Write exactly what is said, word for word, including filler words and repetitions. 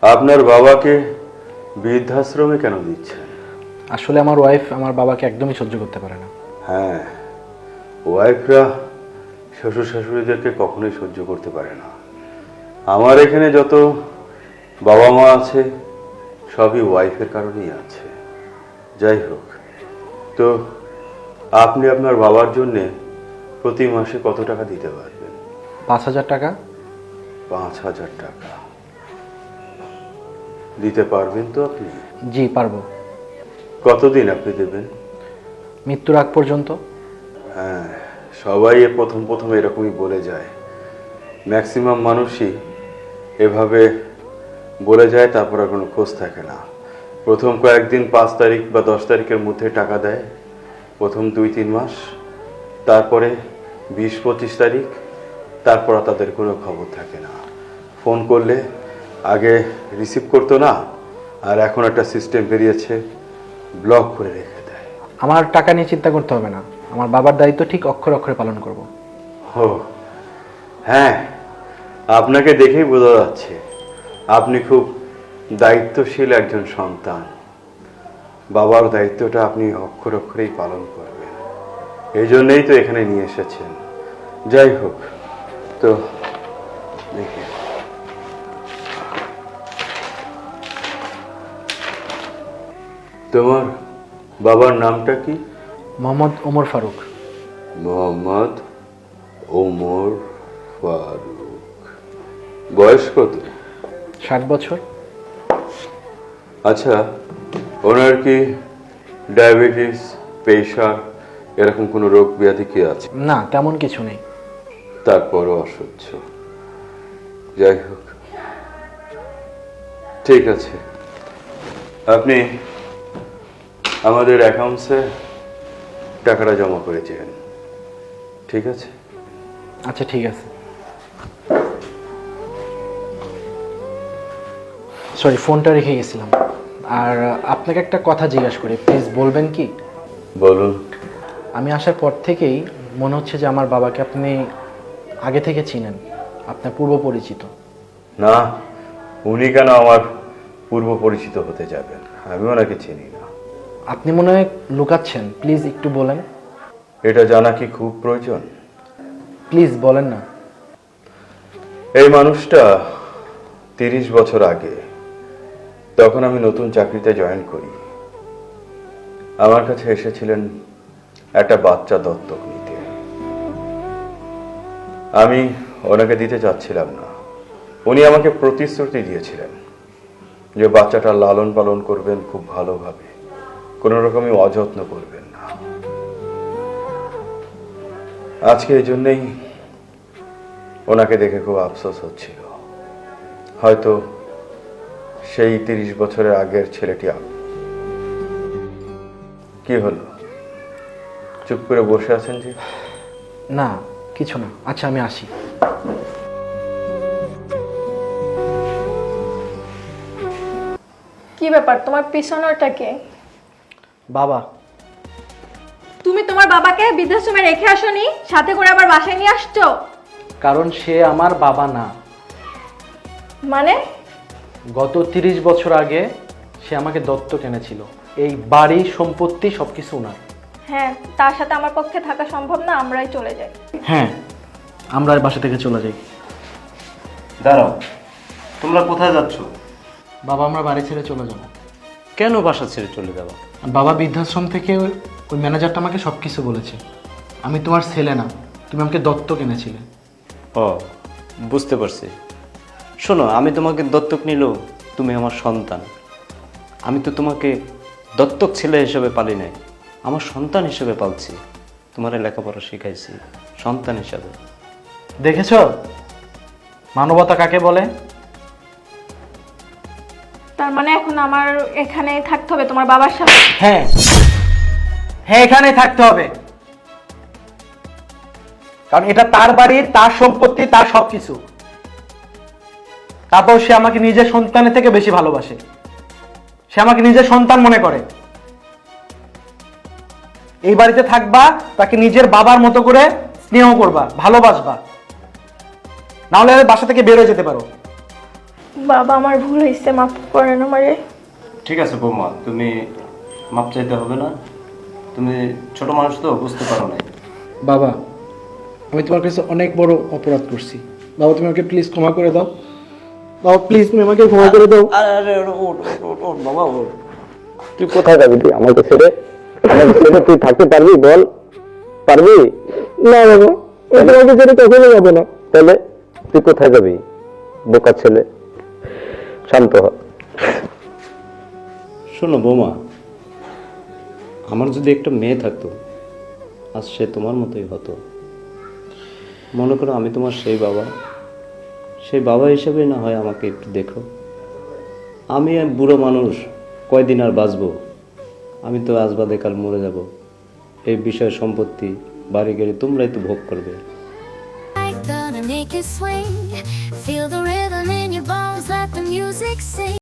আপনার বাবাকে বৃদ্ধাশ্রমে কেন দিচ্ছেন? আসলে আমার ওয়াইফ আমার বাবাকে একদমই সহ্য করতে পারে না। হ্যাঁ, ওয়াইফরা শ্বশুর শাশুড়িদেরকে কখনোই সহ্য করতে পারে না। আমার এখানে যত বাবা মা আছে সবই ওয়াইফের কারণেই আছে। যাই হোক, তো আপনি আপনার বাবার জন্যে প্রতি মাসে কত টাকা দিতে পারবেন? পাঁচ হাজার টাকা। পাঁচ হাজার টাকা দিতে পারবেন তো আপনি? জি পারবো। কতদিন আপনি দেবেন? মৃত্যুর আগ পর্যন্ত। হ্যাঁ, সবাই এ প্রথম প্রথম এরকমই বলে যায়। ম্যাক্সিমাম মানুষই এভাবে বলে যায়, তারপর আর কোনো খোঁজ থাকে না। প্রথম কয়েকদিন পাঁচ তারিখ বা দশ তারিখের মধ্যে টাকা দেয়, প্রথম দুই তিন মাস, তারপরে বিশ পঁচিশ তারিখ, তারপর আর তাদের কোনো খবর থাকে না। ফোন করলে আগে রিসিভ করতো না, আর এখন একটা সিস্টেম বেরিয়েছে, ব্লক করে রেখে দেয়। আমার টাকা নিয়ে চিন্তা করতে হবে না, আমার বাবার দায়িত্ব ঠিক অক্ষরে অক্ষরে পালন করব। ও হ্যাঁ, আপনাকে দেখেই বোঝা যাচ্ছে আপনি খুব দায়িত্বশীল একজন সন্তান। বাবার দায়িত্বটা আপনি অক্ষর অক্ষরেই পালন করবেন, এই জন্যই তো এখানে নিয়ে এসেছেন। যাই হোক, তো দেখি তোমার বাবার নামটা কি? মোহাম্মদ ওমর ফারুক। মোহাম্মদ ওমর ফারুক। বয়স কত? ষাট বছর। আচ্ছা, ওনার কি ডায়াবেটিস, প্রেশার এরকম কোনো রোগ ব্যাধি কি আছে? না, তেমন কিছু নেই। তারপরও অসহ্য। যাই হোক, ঠিক আছে, আপনি আমাদের অ্যাকাউন্টসে টাকাটা জমা করেছেন, ঠিক আছে? আচ্ছা ঠিক আছে। সরি, ফোনটা রেখে গেছিলাম। আর আপনাকে একটা কথা জিজ্ঞাসা করি, প্লিজ বলবেন কি? বলুন। আমি আসার পর থেকেই মনে হচ্ছে যে আমার বাবাকে আপনি আগে থেকে চিনেন, আপনার পূর্ব পরিচিত। না, উনি কেন আমার পূর্ব পরিচিত হতে যাবেন? আমি ওনাকে চিনি না। আপনি মনে হয় লুকাচ্ছেন, প্লিজ একটু বলেন। এটা জানা কি খুব প্রয়োজন? প্লিজ বলেন না। এই মানুষটা তিরিশ বছর আগে, তখন আমি নতুন চাকরিতে জয়েন করি, আমার কাছে এসেছিলেন একটা বাচ্চা দত্তক নিতে। আমি ওনাকে দিতে চাচ্ছিলাম না। উনি আমাকে প্রতিশ্রুতি দিয়েছিলেন যে বাচ্চাটা লালন পালন করবেন খুব ভালোভাবে, কোনো রকমই অযত্ন করবেন না। আজকে এই জন্যেই ওনাকে দেখে খুব আফসোস হচ্ছিল। হয়তো সেই তিরিশ বছরের আগের ছেলেটি আমি। কি হলো, চুপ করে বসে আছেন যে? না, কিছু না। আচ্ছা, আমি আসি। কি ব্যাপার, তোমার পিছনেরটা কে? বাবা। তুমি তোমার বাবাকে বৃদ্ধাশ্রমে রেখে আসোনি, সাথে করে আবার বাসায় নিয়ে আসছো? কারণ সে আমার বাবা না। মানে? গত তিরিশ বছর আগে সে আমাকে দত্তক এনেছিল। এই বাড়ি, সম্পত্তি সবকিছু ওনার। হ্যাঁ, তার সাথে আমার পক্ষে থাকা সম্ভব না, আমরাই চলে যাই। হ্যাঁ, আমরা বাসা থেকে চলে যাই। দাঁড়াও, তোমরা কোথায় যাচ্ছ? বাবা, আমরা বাড়ি ছেড়ে চলে যাব। কেন বাসা ছেড়ে চলে যাবো? বাবা বৃদ্ধাশ্রম থেকে ওই ম্যানেজারটা আমাকে সব কিছু বলেছে। আমি তোমার ছেলে না, তুমি আমাকে দত্তক এনেছিলে। ও, বুঝতে পারছি। শোনো, আমি তোমাকে দত্তক নিলেও তুমি আমার সন্তান। আমি তো তোমাকে দত্তক ছেলে হিসেবে পালি নাই, আমার সন্তান হিসেবে পালছি। তোমার লেখাপড়া শিখাইছি সন্তান হিসাবে। দেখেছ মানবতা কাকে বলে? তার মানে এখন আমার এখানে থাকতে হবে তোমার বাবার সাথে? হ্যাঁ হ্যাঁ, এখানেই থাকতে হবে, কারণ এটা তার বাড়ি, তার সম্পত্তি, তার সবকিছু। তারপর সে আমাকে নিজের সন্তানের থেকে বেশি ভালোবাসে। সে আমাকে নিজের সন্তান মনে করে। এই বাড়িতে থাকবা, তাকে নিজের বাবার মতো করে স্নেহ করবা, ভালোবাসবা, না হলে বাসা থেকে বের হয়ে যেতে পারো। বাবা আমার ভুল হয়েছে, মাফ করেন আমারে। ঠিক আছে বৌমা, তুমি মাপ চাইতে হবে না। তুমি ছোট মানুষ তো, বুঝতে পারো না। বাবা, আমি তোমার কাছে অনেক বড় অপরাধ করছি। বাবা তুমি আমাকে প্লিজ ক্ষমা করে দাও। বাবা প্লিজ তুমি আমাকে ক্ষমা করে দাও। আরে ওঠ ওঠ ওঠ বাবা ওঠ। তুই কোথায় যাবি? তুই আমাকে ছেড়ে আমাকে ছেড়ে তুই থাকতে পারবি? বল, পারবি? না বাবা, আমি তোমাকে ছেড়ে কখনো যাবো না। তাহলে তুই কোথায় যাবি? বোকা ছেলে, শান্ত হ। শোনো বৌমা, আমার যদি একটা মেয়ে থাকতো, আজ সে তোমার মতোই হতো। মনে করো আমি তোমার সেই বাবা, সেই বাবা হিসেবে না হয় আমাকে একটু দেখো। আমি এক বুড়ো মানুষ, কয়দিন আর বাঁচবো? আমি তো আজ বাদে কাল মরে যাব। এই বিষয় সম্পত্তি, বাড়ি গাড়ি তোমরাই তো ভোগ করবে। Gonna make it swing. Feel the rhythm in your bones, let the music sing.